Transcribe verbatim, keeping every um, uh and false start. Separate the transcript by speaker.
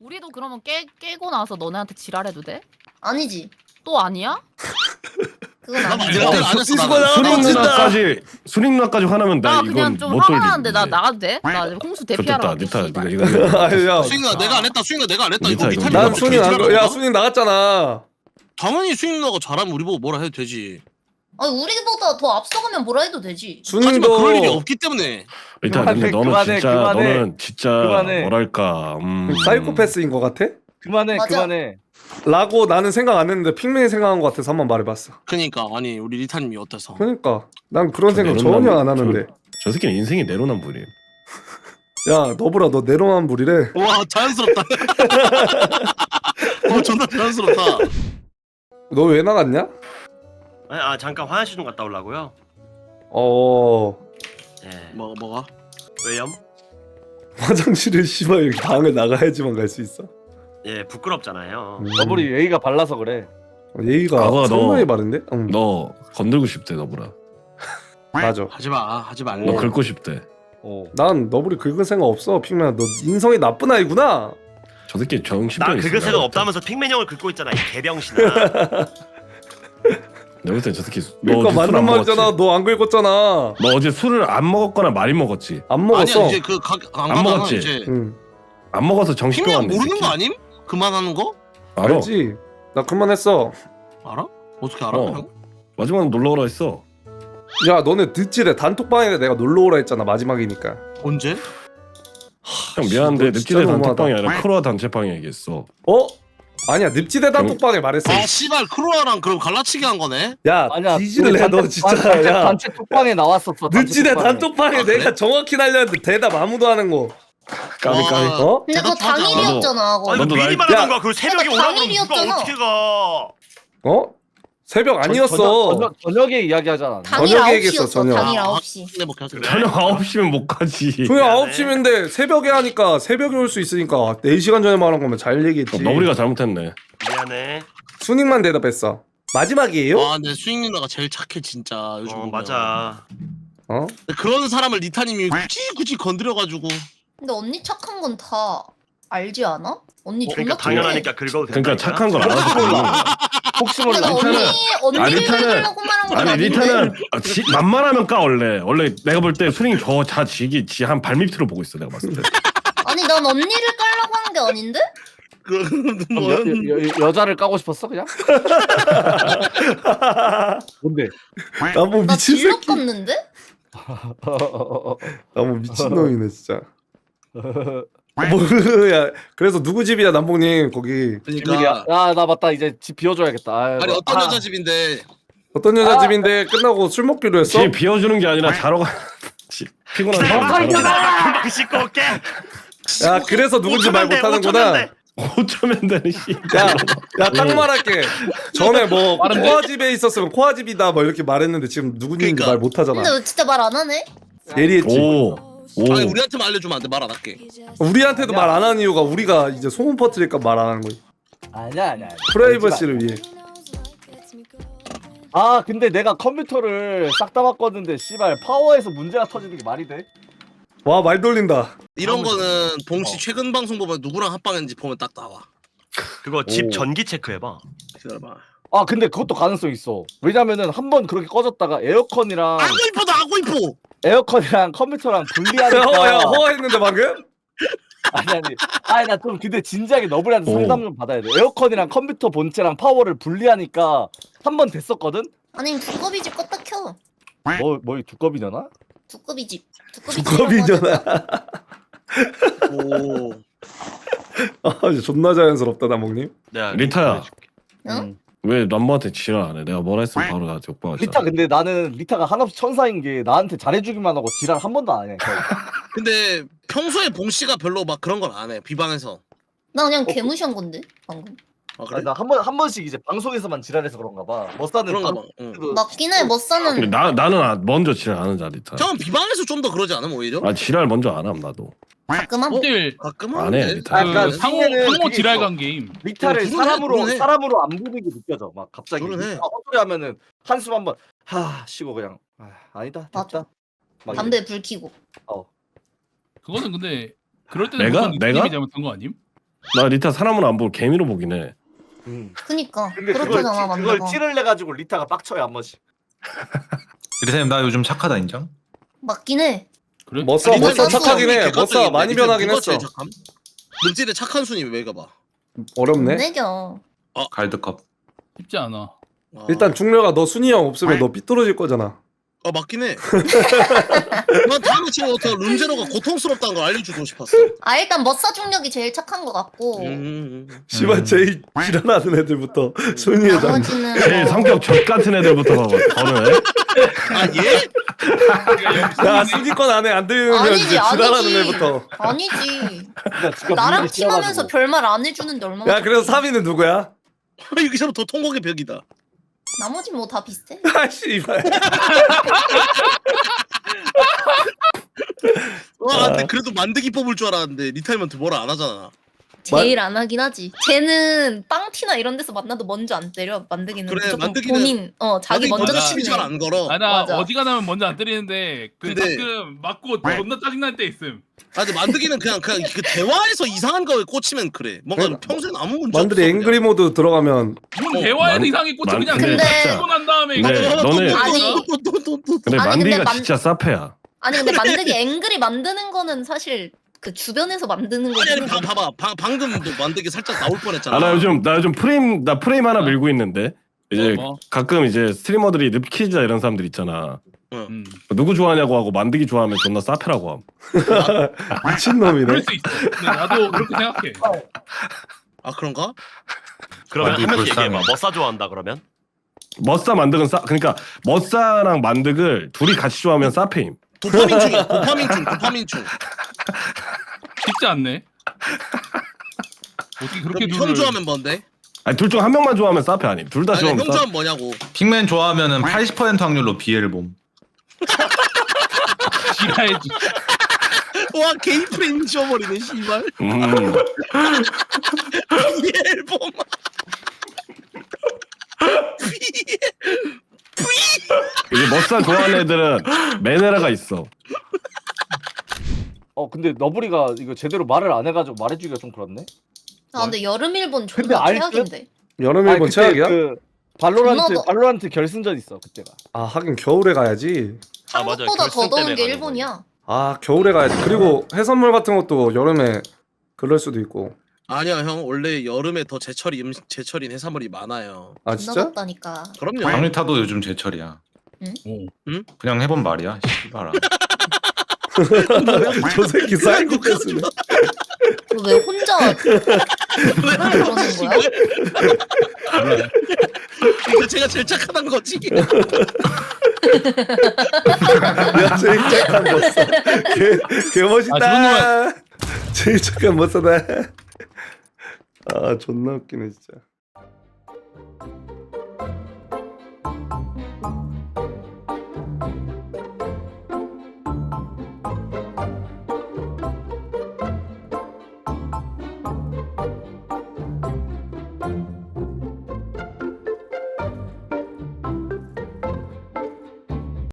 Speaker 1: 우리도 그러면 깨, 깨고 나서 너네한테 지랄해도 돼?
Speaker 2: 아니지.
Speaker 1: 또 아니야?
Speaker 2: 그건
Speaker 3: 나
Speaker 2: 아니지.
Speaker 3: 내가 내가 안 했어.
Speaker 4: 이수가
Speaker 3: 나는.
Speaker 4: 나가고
Speaker 3: 나
Speaker 4: 있다.
Speaker 5: 누나까지 수림 누나까지 화나면 나
Speaker 1: 나
Speaker 5: 이건
Speaker 1: 그냥 좀
Speaker 5: 못
Speaker 1: 화가
Speaker 5: 돌리는데.
Speaker 1: 나는데 나 나가도 돼? 나 홍수 대피하러
Speaker 5: 좋겠다.
Speaker 1: 갈게,
Speaker 5: 니타
Speaker 1: 씨발.
Speaker 5: 네가 이거
Speaker 4: 아니, 야,
Speaker 3: 수익나 내가 안 했다. 수익나 내가 안 했다. 이거
Speaker 5: 니타,
Speaker 3: 미탈이
Speaker 5: 이거.
Speaker 4: 난
Speaker 3: 뭐
Speaker 4: 순이 안 가. 야,
Speaker 3: 개지랄하나?
Speaker 4: 순이 나갔잖아.
Speaker 3: 당연히 수익나가 잘하면 우리 보고 뭐라 해도 되지.
Speaker 2: 아니 우리보다 더 앞서가면 뭐라 해도 되지.
Speaker 3: 하지만 그럴 일이
Speaker 4: 순이도
Speaker 3: 없기 때문에.
Speaker 5: 니타 근데
Speaker 6: 그만해,
Speaker 5: 너는
Speaker 6: 그만해,
Speaker 5: 진짜
Speaker 6: 그만해.
Speaker 5: 너는 진짜
Speaker 6: 그만해.
Speaker 5: 뭐랄까 음.
Speaker 4: 사이코패스인 것 같아?
Speaker 6: 그만해
Speaker 2: 맞아.
Speaker 6: 그만해.
Speaker 4: 라고 나는 생각 안 했는데 핑맨이 생각한 것 같아서 한번 말해봤어.
Speaker 3: 그니까 아니 우리 리타님이 어때서?
Speaker 4: 그러니까 난 그런
Speaker 5: 저
Speaker 4: 생각
Speaker 5: 내로남-
Speaker 4: 전혀 안 하는데.
Speaker 5: 저, 저 새끼는 인생이 내로남불이에요.
Speaker 4: 야 너브라 너 내로남불이래.
Speaker 3: 와 자연스럽다. 와 존나 자연스럽다.
Speaker 4: 너 왜 나갔냐?
Speaker 7: 아니, 아 잠깐 화장실 좀 갔다 오려고요.
Speaker 4: 어
Speaker 7: 예.
Speaker 3: 뭐 뭐가?
Speaker 7: 왜요?
Speaker 4: 화장실을 씨발 이렇게 방을 나가야지만 갈 수 있어.
Speaker 7: 예, 부끄럽잖아요.
Speaker 4: 음.
Speaker 6: 너블이 예의가 발라서 그래.
Speaker 4: 예의가
Speaker 5: 과거가 너-
Speaker 4: 상당히 바른데? 응.
Speaker 5: 너 건들고 싶대 너보라.
Speaker 4: 맞아.
Speaker 3: 하지 마 하지 말래.
Speaker 5: 너 긁고 싶대.
Speaker 6: 어.
Speaker 4: 난 너블이 긁은 생각 없어. 핑맨아 너 인성이 나쁜 아이구나.
Speaker 5: 저 새끼 정신병
Speaker 7: 나
Speaker 5: 있어.
Speaker 7: 그거 생각 없다면서 핑맨 형을 긁고 있잖아, 이 개병신아.
Speaker 5: 내가 볼땐 저 새끼 너
Speaker 4: 그러니까
Speaker 5: 어제 술안
Speaker 4: 맞는
Speaker 5: 먹었지?
Speaker 4: 말이잖아. 너 안 긁었잖아.
Speaker 5: 너 어제 술을 안 먹었거나 많이 먹었지?
Speaker 4: 안 먹었어.
Speaker 3: 아니야 이제 그안
Speaker 5: 안
Speaker 3: 가잖아
Speaker 5: 먹었지?
Speaker 3: 이제.
Speaker 4: 응.
Speaker 5: 안 먹어서 정신병
Speaker 3: 핑맨
Speaker 5: 왔네. 이
Speaker 3: 모르는
Speaker 5: 새끼.
Speaker 3: 거 아님? 그만하는 거?
Speaker 5: 알아.
Speaker 4: 알지. 나 그만했어.
Speaker 3: 알아? 어떻게 알아?
Speaker 5: 어.
Speaker 3: 형?
Speaker 5: 마지막에 놀러 오라 했어.
Speaker 4: 야 너네 늦지래. 단톡방에 내가 놀러 오라 했잖아. 마지막이니까.
Speaker 3: 언제?
Speaker 5: 형 미안한데
Speaker 4: 너 진짜
Speaker 5: 늪지대
Speaker 4: 너무하다.
Speaker 5: 단톡방이 아니라 크로아 단체방에 얘기했어.
Speaker 4: 어? 아니야 늪지대 단톡방에 말했어.
Speaker 3: 아 씨발 크로아랑 그럼 갈라치기 한 거네?
Speaker 4: 야
Speaker 6: 아니야.
Speaker 4: 뒤질래
Speaker 6: 단체-
Speaker 4: 너 진짜.
Speaker 6: 단체,
Speaker 4: 야
Speaker 6: 단체 톡방에 나왔었어. 단체
Speaker 4: 늪지대
Speaker 6: 톡방에.
Speaker 4: 단톡방에
Speaker 3: 아, 그래?
Speaker 4: 내가 정확히 날렸는데 대답 아무도 하는 거.
Speaker 5: 까비
Speaker 3: 와.
Speaker 5: 까비.
Speaker 4: 어?
Speaker 2: 근데 그거
Speaker 3: 대답하자.
Speaker 2: 당일이었잖아. 그거.
Speaker 7: 아 이거
Speaker 5: 너도
Speaker 7: 미리
Speaker 5: 날-
Speaker 7: 말하던가. 그 새벽에
Speaker 2: 그러니까
Speaker 7: 오라고 그러면 누가
Speaker 2: 당일이었잖아.
Speaker 7: 어떻게 가?
Speaker 4: 어? 새벽 아니었어.
Speaker 6: 저녁, 저녁에 이야기하잖아.
Speaker 2: 당일
Speaker 4: 저녁에
Speaker 2: 아홉
Speaker 4: 얘기했어,
Speaker 2: 시였어.
Speaker 4: 저녁.
Speaker 2: 당일
Speaker 3: 아,
Speaker 2: 아홉 시.
Speaker 3: 근데 뭐 계속
Speaker 5: 저녁 아홉 시면 못 가지.
Speaker 4: 조용
Speaker 7: 미안해.
Speaker 4: 아홉 시인데 새벽에 하니까 새벽에 올 수 있으니까 네 시간 전에 말한 거면 잘 얘기했지.
Speaker 5: 너구리가 잘못했네.
Speaker 7: 미안해.
Speaker 4: 순익만 대답했어. 마지막이에요?
Speaker 3: 아 근데 수익 누나가 제일 착해 진짜 요즘
Speaker 7: 어
Speaker 3: 보면.
Speaker 7: 맞아.
Speaker 4: 어?
Speaker 3: 근데 그런 사람을 리타님이 굳이 굳이 건드려가지고
Speaker 2: 근데 언니 착한 건 다 알지 않아? 언니 존나
Speaker 7: 그러니까
Speaker 2: 착해.
Speaker 7: 당연하니까 긁어도 된다.
Speaker 5: 그러니까 착한 걸 알아서 그러는 거야.
Speaker 6: 혹시
Speaker 2: 근데
Speaker 6: 몰라.
Speaker 2: 나 언니 언니를
Speaker 5: 리타는-
Speaker 2: 긁으려고 말한 건
Speaker 5: 아니
Speaker 2: 아닌데.
Speaker 5: 리타는 아, 지, 만만하면 까 원래. 원래 내가 볼 때 수링이 저자 지기 지 한 발밑으로 보고 있어 내가 봤을 때.
Speaker 2: 아니 난 언니를 깔라고 하는 게 아닌데?
Speaker 3: 그
Speaker 6: 그럼
Speaker 3: 뭐
Speaker 6: 여, 여, 여, 여자를 까고 싶었어 그냥? 뭔데?
Speaker 4: 나뭐
Speaker 2: 나
Speaker 4: 미친
Speaker 2: 진로
Speaker 4: 새끼.
Speaker 2: 깠는데?
Speaker 4: 나뭐 미친 놈이네 진짜. 뭐야? 그래서 누구 집이야 남봉님 거기?
Speaker 3: 그러니까
Speaker 6: 야나 맞다 이제 집 비워줘야겠다. 아이고.
Speaker 3: 아니 어떤
Speaker 6: 아,
Speaker 3: 여자 집인데
Speaker 4: 어떤 여자
Speaker 6: 아.
Speaker 4: 집인데 끝나고 술 먹기로 했어?
Speaker 5: 지 비워주는 게 아니라 자러 가. 지- 피곤한 사람 자러 가.
Speaker 7: 금방 씻고 올게.
Speaker 4: 야 그래서 누군지 말 못하는구나.
Speaker 5: 어쩌면 되는 씨.
Speaker 4: 야야딱 말할게. 전에 뭐 코아 집에 있었으면 코아 집이다 뭐 이렇게 말했는데 지금 누군지
Speaker 3: 그러니까.
Speaker 4: 말 못하잖아.
Speaker 2: 근데 왜 진짜 말 안 하네?
Speaker 4: 예리했지.
Speaker 5: 오. 오.
Speaker 3: 아니 우리한테만 알려주면 안 돼 말 안 할게.
Speaker 4: 우리한테도 말 안 하는 이유가 우리가 이제 소문 퍼뜨릴까 말 안 하는 거지.
Speaker 6: 아니야 아니야. 아니야.
Speaker 4: 프라이버시를 위해.
Speaker 6: 아 근데 내가 컴퓨터를 싹 다 바꿨는데 씨발 파워에서 문제가 터지는 게 말이 돼?
Speaker 4: 와 말 돌린다.
Speaker 3: 이런 거는 봉씨
Speaker 6: 어.
Speaker 3: 최근 방송 보면 누구랑 합방했는지 보면 딱 나와.
Speaker 7: 그거 집
Speaker 6: 오.
Speaker 7: 전기 체크해봐.
Speaker 3: 기다려봐.
Speaker 6: 아 근데 그것도 가능성 있어. 왜냐면은 한 번 그렇게 꺼졌다가 에어컨이랑
Speaker 3: 아고 이뻐다 아고 이뻐.
Speaker 6: 에어컨이랑 컴퓨터랑 분리하니까
Speaker 4: 허야 허했는데 방금?
Speaker 6: 아니 아니 아니 나 좀 근데 진지하게 너블한테
Speaker 5: 오.
Speaker 6: 상담 좀 받아야 돼. 에어컨이랑 컴퓨터 본체랑 파워를 분리하니까 한 번 됐었거든?
Speaker 2: 아니면 두꺼비 집 껐다 켜.
Speaker 6: 뭐, 뭐이 두꺼비잖아?
Speaker 2: 두꺼비 집. 두꺼비
Speaker 4: 두꺼비잖아.
Speaker 3: 오.
Speaker 4: 아 이제 존나 자연스럽다 남봉님.
Speaker 7: 내가
Speaker 5: 리타야.
Speaker 7: 보여줄게.
Speaker 2: 응?
Speaker 6: 음.
Speaker 5: 왜 남모한테 지랄 안 해? 내가 뭐라 했으면 바로 나한테 욕박았잖아.
Speaker 6: 리타 근데 나는 리타가 한없이 천사인 게 나한테 잘해주기만 하고 지랄 한 번도 안 해. 거의.
Speaker 3: 근데 평소에 봉씨가 별로 막 그런 걸 안 해. 비방에서.
Speaker 2: 나 그냥 개무시한 건데 방금.
Speaker 3: 아 그래?
Speaker 6: 아니, 나한 번, 한 번씩 이제 방송에서만 지랄해서 그런가 봐. 머싸는
Speaker 3: 그런가
Speaker 6: 방-
Speaker 3: 봐. 응.
Speaker 6: 그-
Speaker 2: 맞긴 해. 머싸는
Speaker 5: 근데 나 나는 아- 먼저 지랄 안 하자 리타.
Speaker 3: 형은 비방에서 좀 더 그러지 않음 오히려?
Speaker 5: 아 지랄 먼저 안 함 나도.
Speaker 2: 가끔 한.
Speaker 8: 들
Speaker 3: 가끔
Speaker 5: 안 해,
Speaker 3: 하는데.
Speaker 5: 리타.
Speaker 6: 아, 그러니까
Speaker 8: 그 상호
Speaker 6: 핑계는
Speaker 8: 상호
Speaker 6: 그게
Speaker 8: 지랄간 게임.
Speaker 6: 리타를
Speaker 3: 어, 그러네,
Speaker 6: 사람으로
Speaker 3: 그러네.
Speaker 6: 사람으로 안 보는 게 느껴져. 막 갑자기
Speaker 3: 그러네.
Speaker 6: 아, 헛소리 하면은 한숨 한번 하 쉬고 그냥 아, 아니다 됐다.
Speaker 2: 맞아.
Speaker 6: 막
Speaker 2: 담배 불 켜고.
Speaker 6: 어.
Speaker 8: 그거는 근데 그럴 때는
Speaker 5: 내가?
Speaker 8: 무조건
Speaker 5: 내가?
Speaker 8: 리타님이 잘못한 거 아님?
Speaker 5: 나 리타 사람은 안 보고 개미로 보긴 해.
Speaker 2: 그니까
Speaker 6: 근데 그걸,
Speaker 2: 그렇잖아
Speaker 6: 티, 그걸
Speaker 2: 만나가.
Speaker 6: 티를 내가지고 리타가 빡쳐요 한 번씩.
Speaker 8: 이래서 나 요즘 착하다 인정?
Speaker 2: 맞긴 해.
Speaker 9: 그래?
Speaker 4: 머싸
Speaker 3: 아니,
Speaker 4: 머싸
Speaker 3: 리타는
Speaker 4: 착하긴 해.
Speaker 3: 객관적인데
Speaker 4: 머싸 많이
Speaker 3: 리타는
Speaker 4: 변하긴
Speaker 3: 누가
Speaker 4: 했어.
Speaker 3: 제일 착함? 름질의 착한 순위 왜 가봐?
Speaker 4: 어렵네.
Speaker 2: 내겨.
Speaker 8: 갈드컵.
Speaker 9: 쉽지 않아.
Speaker 3: 아.
Speaker 4: 일단 중렬아 너 순이 형 없으면 너 삐뚤어질 거잖아.
Speaker 3: 아 맞긴 해. 난 다음에 처음부터 룸제로가 고통스럽다는 걸 알려주고 싶었어.
Speaker 2: 아 일단 머싸 중력이 제일 착한 것 같고
Speaker 3: 음.
Speaker 4: 씨발 제일 지랄하는 애들부터 순위에 장.
Speaker 2: 나머지는
Speaker 5: 제일
Speaker 2: 뭐-
Speaker 5: 성격 젖 같은 애들부터 거는.
Speaker 3: 아 예?
Speaker 4: 야 순위권 안에 안 들면
Speaker 2: 아니지,
Speaker 4: 이제 지랄하는
Speaker 2: 아니지.
Speaker 4: 애부터.
Speaker 2: 아니지.
Speaker 6: 나 지금
Speaker 2: 나랑
Speaker 6: 분위기
Speaker 2: 팀하면서
Speaker 6: 싫어가지고.
Speaker 2: 별말 안 해주는데 얼마나.
Speaker 4: 야 그래서 삼 위는 누구야?
Speaker 3: 여기서 더 통곡의 벽이다.
Speaker 2: 나머지 뭐 다 비슷해.
Speaker 4: 아 씨발.
Speaker 3: 와 근데 그래도 만드기 뽑을 줄 알았는데 리타이먼트 뭐라 안 하잖아.
Speaker 2: 제일 안 하긴 하지. 쟤는 빵티나 이런 데서 만나도 먼저 안 때려. 만드기는
Speaker 3: 그래,
Speaker 2: 무조건
Speaker 3: 만드기는-
Speaker 2: 본인 어 자기 먼저
Speaker 3: 시비
Speaker 2: 치네.
Speaker 3: 잘안 걸어.
Speaker 9: 아, 나
Speaker 2: 맞아.
Speaker 9: 어지간하면 먼저 안 때리는데 그
Speaker 3: 근데-
Speaker 9: 가끔 맞고 존나 짜증날 때 있음.
Speaker 3: 아 근데 만드기는 그냥 그냥 그 대화에서 이상한 거에 꽂히면 그래. 뭔가
Speaker 4: 그래,
Speaker 3: 평소엔 아무 문제
Speaker 4: 만들이
Speaker 3: 없어.
Speaker 4: 앵그리 모드 들어가면
Speaker 9: 뭔
Speaker 3: 어,
Speaker 9: 대화에도
Speaker 5: 만-
Speaker 9: 이상하게 꽂혀
Speaker 5: 만-
Speaker 9: 그냥
Speaker 2: 근데-
Speaker 9: 고 난 다음에
Speaker 5: 네,
Speaker 9: 이거
Speaker 5: 너네-
Speaker 2: 아니.
Speaker 3: 또또또또
Speaker 5: 근데
Speaker 2: 아니,
Speaker 5: 만디가
Speaker 2: 근데 만-
Speaker 5: 진짜 사페야.
Speaker 2: 아니 근데 만드기 앵글이 만드는 거는 사실 그 주변에서 만드는
Speaker 3: 아니 아니
Speaker 2: 거지.
Speaker 3: 봐, 봐봐 방, 방금도 만드기 살짝 나올 뻔했잖아.
Speaker 5: 아 나 요즘 나 요즘 프레임 나 프레임 하나 밀고 있는데 이제
Speaker 9: 뭐?
Speaker 5: 가끔 이제 스트리머들이 늪키자 이런 사람들 있잖아.
Speaker 9: 음.
Speaker 5: 누구 좋아하냐고 하고 만드기 좋아하면 존나 사페라고 함.
Speaker 4: 미친놈이네.
Speaker 9: 그럴 수 있어. 근데 나도 그렇게 생각해.
Speaker 3: 아 그런가?
Speaker 7: 그러면
Speaker 8: 만드기
Speaker 7: 한 명씩
Speaker 8: 불쌍해.
Speaker 7: 얘기해봐. 머싸 좋아한다 그러면?
Speaker 5: 머싸 만득은 싸 그러니까 머싸랑 만득을 둘이 같이 좋아하면 사페임.
Speaker 3: 도파민 중이야. 도파민 중. 도파민 중.
Speaker 9: 쉽지 않네. 어떻게 그렇게
Speaker 3: 그럼 형
Speaker 9: 룰을-
Speaker 3: 좋아하면 뭔데?
Speaker 5: 아니 둘 중 한 명만 좋아하면 사페 아님. 둘 다
Speaker 3: 아니 형
Speaker 5: 좋아하면 사페.
Speaker 3: 좋아하면 뭐냐고.
Speaker 8: 핑맨 좋아하면은 팔십 퍼센트 확률로 비엘 봄.
Speaker 9: 지랄지.
Speaker 3: 와 게이 프레임 지워버리네 씨발.
Speaker 5: 음.
Speaker 3: 이 앨범.
Speaker 5: 이제 머싸 좋아하는 애들은 메네라가 있어.
Speaker 6: 어 근데 너브리가 이거 제대로 말을 안 해가지고 말해주기가 좀 그렇네.
Speaker 2: 아 근데 여름 일본
Speaker 6: 근데
Speaker 2: 존나
Speaker 6: 알 듯?
Speaker 2: 최악인데.
Speaker 4: 여름
Speaker 6: 아니,
Speaker 4: 일본
Speaker 6: 그때
Speaker 4: 최악이야?
Speaker 6: 그 발로란트
Speaker 2: 존나 더-
Speaker 6: 발로란트 결승전 있어 그때가.
Speaker 4: 아 하긴 겨울에 가야지.
Speaker 7: 아, 맞아요.
Speaker 2: 한국보다 더
Speaker 7: 결승
Speaker 2: 더운
Speaker 7: 때문에
Speaker 2: 게
Speaker 7: 가는
Speaker 2: 일본이야.
Speaker 4: 아 겨울에 가야지. 그리고 해산물 같은 것도 여름에 그럴 수도 있고.
Speaker 3: 아니야 형 원래 여름에 더 제철이 음식 제철인 해산물이 많아요.
Speaker 4: 아
Speaker 2: 존나
Speaker 4: 진짜?
Speaker 2: 덥다니까.
Speaker 3: 그럼요.
Speaker 8: 박리타도 요즘 제철이야.
Speaker 9: 오.
Speaker 8: 그냥 해본 말이야. 씨발아.
Speaker 4: 저 새끼 사이코패스네.
Speaker 2: 너 왜 혼자 그러는 거야?
Speaker 3: 그러니까 제가 제일 착하단 거지.
Speaker 4: 야 제일 착한 멋사. 개, 개 멋있다.
Speaker 9: 아, 저런
Speaker 4: 제일 착한 멋사다. 아 존나 웃기네 진짜.